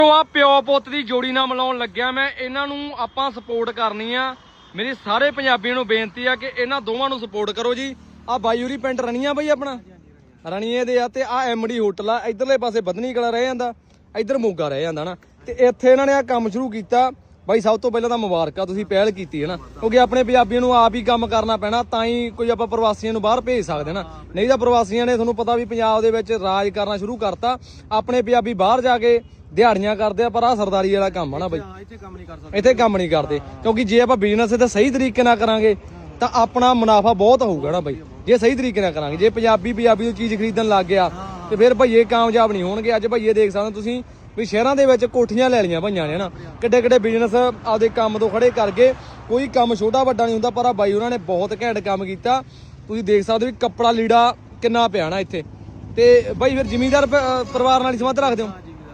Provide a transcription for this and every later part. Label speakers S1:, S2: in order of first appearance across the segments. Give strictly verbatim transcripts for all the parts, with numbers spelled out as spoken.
S1: ਆ ਪਿਓ ਪੁੱਤ ਦੀ ਜੋੜੀ ਨਾਲ ਮਿਲਾਉਣ ਲੱਗਿਆ ਮੈਂ। ਇਹਨਾਂ ਨੂੰ ਆਪਾਂ ਸਪੋਰਟ ਕਰਨੀ ਆ। ਮੇਰੀ ਸਾਰੇ ਪੰਜਾਬੀਆਂ ਨੂੰ ਬੇਨਤੀ ਆ ਕਿ ਇਹਨਾਂ ਦੋਵਾਂ ਨੂੰ ਸਪੋਰਟ ਕਰੋ ਜੀ। ਆ ਬਾਈੂਰੀ ਪਿੰਡ ਰਣੀਆਂ ਬਈ ਆਪਣਾ ਰਣੀਏ ਦੇ ਆ ਤੇ ਆ ਐਮਡੀ ਹੋਟਲ ਆ। ਇਧਰਲੇ ਪਾਸੇ ਬਦਨੀ ਕਲਾ ਰਹਿ ਜਾਂਦਾ, ਇਧਰ ਮੋਗਾ ਰਹਿ ਜਾਂਦਾ ਨਾ। ਤੇ ਇੱਥੇ ਇਹਨਾਂ ਨੇ ਆ ਕੰਮ ਸ਼ੁਰੂ ਕੀਤਾ ਬਾਈ। ਸਭ ਤੋਂ ਪਹਿਲਾਂ ਤਾਂ ਮੁਬਾਰਕਾਂ, ਤੁਸੀਂ ਪਹਿਲ ਕੀਤੀ ਹੈ ਨਾ, ਕਿਉਂਕਿ ਆਪਣੇ ਪੰਜਾਬੀਆਂ ਨੂੰ ਆਪ ਹੀ ਕੰਮ ਕਰਨਾ ਪੈਣਾ, ਤਾਂ ਹੀ ਕੋਈ ਆਪਾਂ ਪ੍ਰਵਾਸੀਆਂ ਨੂੰ ਬਾਹਰ ਭੇਜ ਸਕਦੇ ਨਾ। ਨਹੀਂ ਤਾਂ ਪ੍ਰਵਾਸੀਆਂ ਨੇ ਤੁਹਾਨੂੰ ਪਤਾ ਵੀ ਪੰਜਾਬ ਦੇ ਵਿੱਚ ਰਾਜ ਕਰਨਾ ਸ਼ੁਰੂ ਕਰਤਾ। ਆਪਣੇ ਪੰਜਾਬੀ ਬਾਹਰ ਜਾ ਕੇ ਦਿਹਾੜੀਆਂ ਕਰਦੇ ਆ, ਪਰ ਆ ਸਰਦਾਰੀ ਵਾਲਾ ਕੰਮ ਆ ਨਾ ਬਈ, ਇੱਥੇ ਕੰਮ ਨਹੀਂ ਕਰ ਸਕਦੇ, ਇੱਥੇ ਕੰਮ ਨਹੀਂ ਕਰਦੇ। ਕਿਉਂਕਿ ਜੇ ਆਪਾਂ ਬਿਜ਼ਨਸ ਇਹਦਾ ਸਹੀ ਤਰੀਕੇ ਨਾਲ ਕਰਾਂਗੇ ਤਾਂ ਆਪਣਾ ਮੁਨਾਫਾ ਬਹੁਤ ਹੋਊਗਾ ਨਾ ਬਈ, ਜੇ ਸਹੀ ਤਰੀਕੇ ਨਾਲ ਕਰਾਂਗੇ। ਜੇ ਪੰਜਾਬੀ ਪੰਜਾਬੀ ਨੂੰ ਚੀਜ਼ ਖਰੀਦਣ ਲੱਗ ਗਿਆ ਤੇ ਫਿਰ ਭਈਏ ਕਾਮਯਾਬ ਨਹੀਂ ਹੋਣਗੇ। ਅੱਜ ਭਈਏ ਦੇਖ ਸਕਦੇ ਤੁਸੀਂ ਵੀ ਸ਼ਹਿਰਾਂ ਦੇ ਵਿੱਚ ਕੋਠੀਆਂ ਲੈ ਲਈਆਂ ਭਈਆਂ ਨੇ ਨਾ, ਕਿੱਡੇ ਕਿੱਡੇ ਬਿਜ਼ਨਸ ਆਪਦੇ ਕੰਮ ਤੋਂ ਖੜੇ ਕਰਕੇ। ਕੋਈ ਕੰਮ ਛੋਟਾ ਵੱਡਾ ਨਹੀਂ ਹੁੰਦਾ, ਪਰ ਆ ਬਾਈ ਉਹਨਾਂ ਨੇ ਬਹੁਤ ਘੈਂਟ ਕੰਮ ਕੀਤਾ। ਤੁਸੀਂ ਦੇਖ ਸਕਦੇ ਵੀ ਕੱਪੜਾ ਲੀੜਾ ਕਿੰਨਾ ਪਿਆ ਨਾ ਇੱਥੇ। ਤੇ ਬਾਈ ਫਿਰ ਜ਼ਿਮੀਂਦਾਰ ਪਰਿਵਾਰ ਨਾਲ ਹੀ ਸੰਬੰਧ ਰੱਖਦੇ ਹੋ?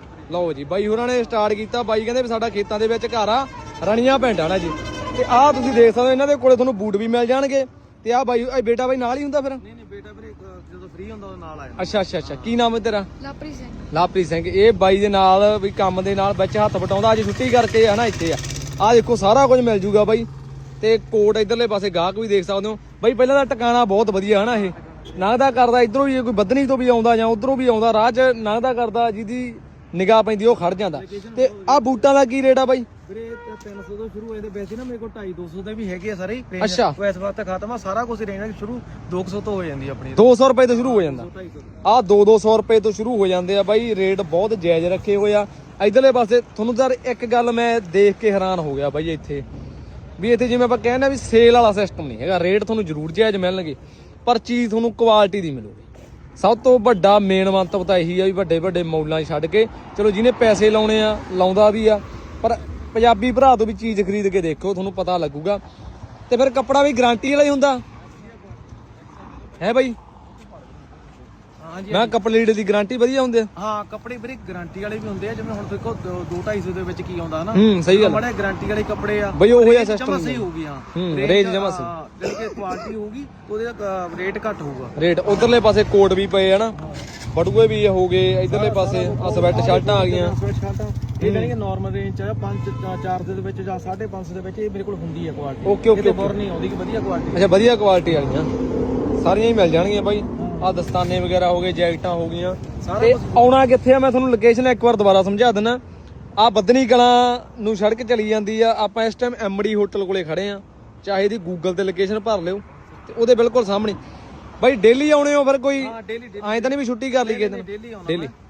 S1: ਲਓ ਜੀ ਬਾਈ ਹੋਰਾਂ ਨੇ ਸਟਾਰਟ ਕੀਤਾ। ਬਾਈ ਕਹਿੰਦੇ ਵੀ ਸਾਡਾ ਖੇਤਾਂ ਦੇ ਵਿੱਚ ਘਰ ਆ, ਰਣੀਆਂ ਪਿੰਡ ਆ ਨਾ ਜੀ। ਤੇ ਆਹ ਤੁਸੀਂ ਦੇਖ ਸਕਦੇ ਹੋ ਇਹਨਾਂ ਦੇ ਕੋਲੇ ਤੁਹਾਨੂੰ ਬੂਟ ਵੀ ਮਿਲ ਜਾਣਗੇ। ਤੇ ਆਹ ਬਾਈ ਇਹ ਬੇਟਾ ਬਾਈ ਨਾਲ ਹੀ ਹੁੰਦਾ ਫਿਰ?
S2: ਨਹੀਂ ਨਹੀਂ ਬੇਟਾ ਵੀਰੇ ਜਦੋਂ ਫ੍ਰੀ ਹੁੰਦਾ ਉਹ ਨਾਲ ਆਇਆ।
S1: ਅੱਛਾ ਅੱਛਾ ਅੱਛਾ ਕੀ ਨਾਮ ਹੈ ਤੇਰਾ?
S3: ਲਾਪਰੀ ਸਿੰਘ।
S1: ਲਾਪਰੀ ਸਿੰਘ। ਇਹ ਬਾਈ ਦੇ ਨਾਲ ਵੀ ਕੰਮ ਦੇ ਨਾਲ ਵਿੱਚ ਹੱਥ ਵਟਾਉਂਦਾ। ਅੱਜ ਛੁੱਟੀ ਕਰਕੇ ਆ ਨਾ ਇੱਥੇ ਆ। ਆਹ ਦੇਖੋ ਸਾਰਾ ਕੁਝ ਮਿਲ ਜੂਗਾ ਬਾਈ। ਤੇ ਕੋਟ ਇਧਰਲੇ ਪਾਸੇ ਗਾਹਕ ਵੀ ਦੇਖ ਸਕਦੇ ਹੋ ਬਾਈ। ਪਹਿਲਾਂ ਤਾਂ ਟਿਕਾਣਾ ਬਹੁਤ ਵਧੀਆ ਹਨਾ, ਇਹ ਲੰਘਦਾ ਕਰਦਾ ਇਧਰੋਂ ਵੀ, ਕੋਈ ਬੱਧਨੀ ਤੋਂ ਵੀ ਆਉਂਦਾ ਜਾਂ ਉਧਰੋਂ ਵੀ ਆਉਂਦਾ, ਰਾਹ 'ਚ ਲੰਘਦਾ ਕਰਦਾ, ਜਿਹਦੀ ਨਿਗਾਹ ਪੈਂਦੀ ਉਹ ਖੜ ਜਾਂਦਾ। ਤੇ ਆਹ ਬੂਟਾਂ ਦਾ ਕੀ ਰੇਟ ਆ ਬਾਈ?
S2: ਵੀਰੇ ਤਿੰਨ ਸੌ ਤੋਂ ਸ਼ੁਰੂ ਹੋਏ ਤੇ ਵੈਸੇ ਨਾ ਮੇਰੇ ਕੋਲ ਢਾਈ ਦੋ ਸੌ ਦੇ ਵੀ ਹੈਗੇ ਆ ਸਾਰੇ।
S1: ਅੱਛਾ
S2: ਉਹ ਇਸ ਵਾਰ ਤਾਂ ਖਤਮ ਆ ਸਾਰਾ ਕੁਝ। ਰੇਂਜ ਸ਼ੁਰੂ ਦੋ ਸੌ ਤੋਂ ਹੋ ਜਾਂਦੀ ਆਪਣੀ।
S1: ਦੋ ਸੌ ਰੁਪਏ ਤੋਂ ਸ਼ੁਰੂ ਹੋ ਜਾਂਦਾ। ਆਹ ਦੋ ਦੋ ਸੌ ਰੁਪਏ ਤੋਂ ਸ਼ੁਰੂ ਹੋ ਜਾਂਦੇ ਆ ਬਾਈ। ਰੇਟ ਬਹੁਤ ਜਾਇਜ਼ ਰੱਖੇ ਹੋਏ ਆ। ਇਧਰਲੇ ਪਾਸੇ ਤੁਹਾਨੂੰ ਯਾਰ ਇੱਕ ਗੱਲ ਮੈਂ ਦੇਖ ਕੇ ਹੈਰਾਨ ਹੋ ਗਿਆ ਬਾਈ, ਇੱਥੇ ਵੀ ਇੱਥੇ ਜਿਵੇਂ ਆਪਾਂ ਕਹਿੰਦੇ ਆ ਵੀ ਸੇਲ ਵਾਲਾ ਸਿਸਟਮ ਨਹੀਂ ਹੈਗਾ। ਰੇਟ ਤੁਹਾਨੂੰ ਜ਼ਰੂਰ ਜਾਇਜ਼ ਮਿਲਣਗੇ, ਪਰ ਚੀਜ਼ ਤੁਹਾਨੂੰ ਕੁਆਲਿਟੀ ਦੀ ਮਿਲੂਗੀ। ਸਭ ਤੋਂ ਵੱਡਾ ਮੇਨ ਮੰਤਵ ਤਾਂ ਇਹੀ ਆ ਵੀ ਵੱਡੇ ਵੱਡੇ ਮੌਲਾਂ 'ਚ ਛੱਡ ਕੇ, ਚਲੋ ਜਿਹਨੇ ਪੈਸੇ ਲਾਉਣੇ ਆ ਲਾਉਂਦਾ ਵੀ ਆ, ਪਰ ਪੰਜਾਬੀ ਭਰਾ ਤੋਂ ਵੀ ਚੀਜ਼ ਖਰੀਦ ਕੇ ਦੇਖੋ, ਤੁਹਾਨੂੰ ਪਤਾ ਲੱਗੂਗਾ। ਤੇ ਫਿਰ ਕੱਪੜਾ ਵੀ ਗਾਰੰਟੀ ਵਾਲਾ ਹੀ ਹੁੰਦਾ ਹੈ ਬਾਈ?
S2: ਹਾਂਜੀ
S1: ਮੈਂ ਕੱਪੜੇ ਲੀੜੇ ਦੀ ਗਾਰੰਟੀ ਵਧੀਆ ਹੁੰਦੇ ਆ?
S2: ਹਾਂ ਕੱਪੜੇ ਵੀਰੇ ਗਾਰੰਟੀ ਵਾਲੇ ਵੀ ਹੁੰਦੇ ਆ। ਜਿਵੇਂ ਹੁਣ ਦੇਖੋ ਦੋ ਢਾਈ ਸੌ ਦੇ ਵਿੱਚ ਕੀ ਆਉਂਦਾ ਨਾ।
S1: ਹੂੰ ਸਹੀ ਗੱਲ।
S2: ਬੜੇ ਗਾਰੰਟੀ ਵਾਲੇ ਕੱਪੜੇ ਆ
S1: ਬਈ ਉਹ ਜਿਹਾ ਸਿਸਟਮ
S2: ਜਮਾ ਸਹੀ ਹੋਊਗੀ। ਹਾਂ
S1: ਹੂੰ ਰੇਟ ਜਮਾ ਸਹੀ,
S2: ਹਾਂ ਜਿਹੜੀ ਕਿ ਕੁਆਲਿਟੀ ਹੋਊਗੀ ਉਹਦੇ ਦਾ ਰੇਟ ਘੱਟ ਹੋਊਗਾ।
S1: ਰੇਟ ਉਧਰਲੇ ਪਾਸੇ ਕੋਟ ਵੀ ਪਏ ਆ ਨਾ, ਬਟੂਏ ਵੀ ਹੋ ਗਏ। ਇਧਰਲੇ ਪਾਸੇ ਆ ਸਵੈਟ ਸ਼ਰਟਾਂ ਆ ਗਈਆਂ।
S2: ਇਹ ਜਿਹੜੀਆਂ ਨਾਰਮਲ ਰੇਂਜ ਚ ਆ ਪੰਜ ਚਾਰ ਦੇ ਵਿੱਚ ਜਾਂ ਸਾਢੇ ਪੰਜ ਸੌ ਦੇ ਵਿੱਚ ਇਹ ਮੇਰੇ ਕੋਲ ਹੁੰਦੀ ਆ ਕੁਆਲਿਟੀ।
S1: ਓਕੇ ਓਕੇ
S2: ਬੁਰ ਨਹੀਂ ਆਉਂਦੀ ਕਿ ਵਧੀਆ ਕੁਆਲਿਟੀ।
S1: ਅੱਛਾ ਵਧੀਆ ਕੁਆਲਿਟੀ ਵਾਲੀਆਂ ਸਾਰੀਆਂ ਹੀ ਮਿਲ ਜਾਣਗੀਆਂ ਬਾਈ। ਆ ਦਸਤਾਨੇ ਵਗੈਰਾ ਹੋ ਗਏ, ਜੈਕਟਾਂ ਹੋ ਗਈਆਂ। ਤੇ ਆਉਣਾ ਕਿੱਥੇ ਆ ਮੈਂ ਤੁਹਾਨੂੰ ਲੋਕੇਸ਼ਨ ਇੱਕ ਵਾਰ ਦੁਬਾਰਾ ਸਮਝਾ ਦਿੰਦਾ। ਆ ਬੱਧਨੀ ਕਲਾਂ ਨੂੰ ਸੜਕ ਚਲੀ ਜਾਂਦੀ ਆ। ਆਪਾਂ ਇਸ ਟਾਈਮ ਐਮਡੀ ਹੋਟਲ ਕੋਲੇ ਖੜੇ ਆ। ਚਾਹੇ ਇਹਦੀ ਗੂਗਲ ਤੇ ਲੋਕੇਸ਼ਨ ਭਰ ਲਿਓ ਤੇ ਉਹਦੇ ਬਿਲਕੁਲ ਸਾਹਮਣੇ। ਬਾਈ ਡੇਲੀ ਆਉਣੇ ਹੋ ਫਿਰ? ਕੋਈ ਐਂ ਤਾਂ ਨਹੀਂ ਵੀ ਛੁੱਟੀ ਕਰ ਲਈ ਕਿਸੇ ਦਿਨ?
S2: ਡੇਲੀ ਆਉਣਾ
S1: ਡੇਲੀ